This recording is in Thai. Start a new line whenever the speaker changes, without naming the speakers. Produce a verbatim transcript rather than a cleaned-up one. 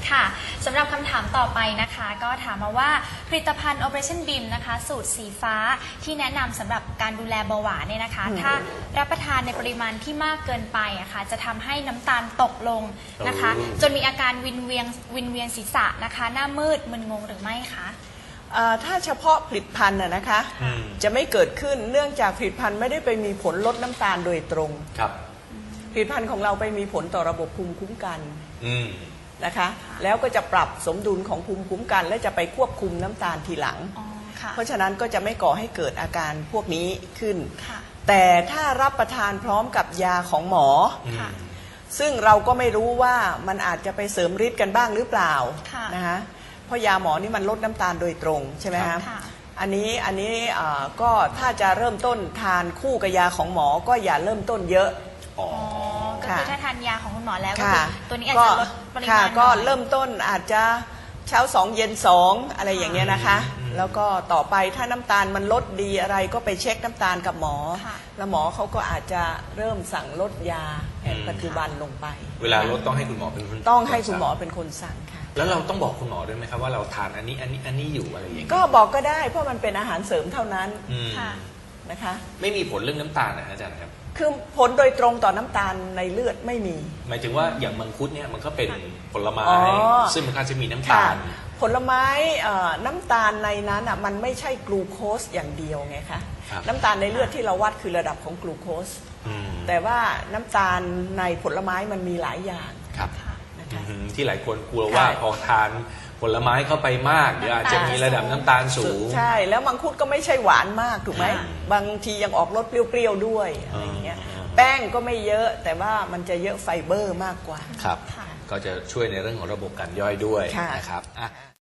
ค่ะสำหรับคำถามต่อไปนะคะก็ถามมาว่าผลิตภัณฑ์ Operationบี เอ็ม นะคะสูตรสีฟ้าที่แนะนำสำหรับการดูแลเบาหวานเนี่ยนะคะถ้ารับประทานในปริมาณที่มากเกินไปอะคะจะทำให้น้ำตาลตกลงนะคะจนมีอาการวินเวียนวินเวียนศีรษะนะคะหน้ามืดมึนงงหรือไม่คะ
ถ้าเฉพาะผลิตภัณฑ์นะคะจะไม่เกิดขึ้นเนื่องจากผลิตภัณฑ์ไม่ได้ไปมีผลลดน้ำตาลโดยตรง
ครับ
ผลิตภัณฑ์ของเราไปมีผลต่อระบบภูมิคุ้มกันนะคะแล้วก็จะปรับสมดุลของภูมิคุ้มกันและจะไปควบคุมน้ำตาลทีหลังเพราะฉะนั้นก็จะไม่ก่อให้เกิดอาการพวกนี้ขึ้นแต่ถ้ารับประทานพร้อมกับยาของหมอซึ่งเราก็ไม่รู้ว่ามันอาจจะไปเสริมฤทธิ์กันบ้างหรือเปล่านะคะเพราะยาหมอนี่มันลดน้ำตาลโดยตรงใช่ไหมครับอันนี้อันนี้ก็ถ้าจะเริ่มต้นทานคู่กับยาของหมอก็อย่าเริ่มต้นเยอะ
อ๋อก็คือถ้าทานยาของคุณหมอแล้วก็คือตัวนี้อาจจะลดปริมาณ
ก็เริ่มต้นอาจจะเช้าสองเย็นสองอะไรอย่างเงี้ยนะคะแล้วก็ต่อไปถ้าน้ำตาลมันลดดีอะไรก็ไปเช็คน้ำตาลกับหมอแล้วหมอเขาก็อาจจะเริ่มสั่งลดยาแผนปัจจุบันลงไป
เวลาลดต้องให้คุณหมอเป็นคน
ต้องให้คุณหมอเป็นคนสั่งค่ะ
แล้วเราต้องบอกคุณหมอด้วยไหมครับว่าเราทานอันนี้อันนี้อันนี้อยู่อะไรอย่างเงี้ย
ก็บอกก็ได้เพราะมันเป็นอาหารเสริมเท่านั้นนะคะ
ไม่มีผลเรื่องน้ำตาลนะอาจารย์ครับ
คือผลโดยตรงต่อน้ำตาลในเลือดไม่มี
หมายถึงว่าอย่างมังคุดเนี่ยมันก็เป็นผลไม้ซึ่งมันก็จะมีน้ำตาล
ผลไม้น้ำตาลในนั้นอ่ะมันไม่ใช่กลูโคสอย่างเดียวไงคะน้ำตาลในเลือดที่เราวัดคือระดับของกลูโคสแต่ว่าน้ำตาลในผลไม้มันมีหลายอย่าง
ครับที่หลายคนกลัวว่าพอทานผลไม้เข้าไปมากเดี๋ยวอาจจะมีระดับน้ำตาลสูง
ใช่แล้วมังคุดก็ไม่ใช่หวานมากถูกไหมบางทียังออกรสเปรี้ยวๆด้วยอะไรอย่างเงี้ยแป้งก็ไม่เยอะแต่ว่ามันจะเยอะไฟเบอร์มากกว่า
ครับก็จะช่วยในเรื่องของระบบการย่อยด้วยนะครับ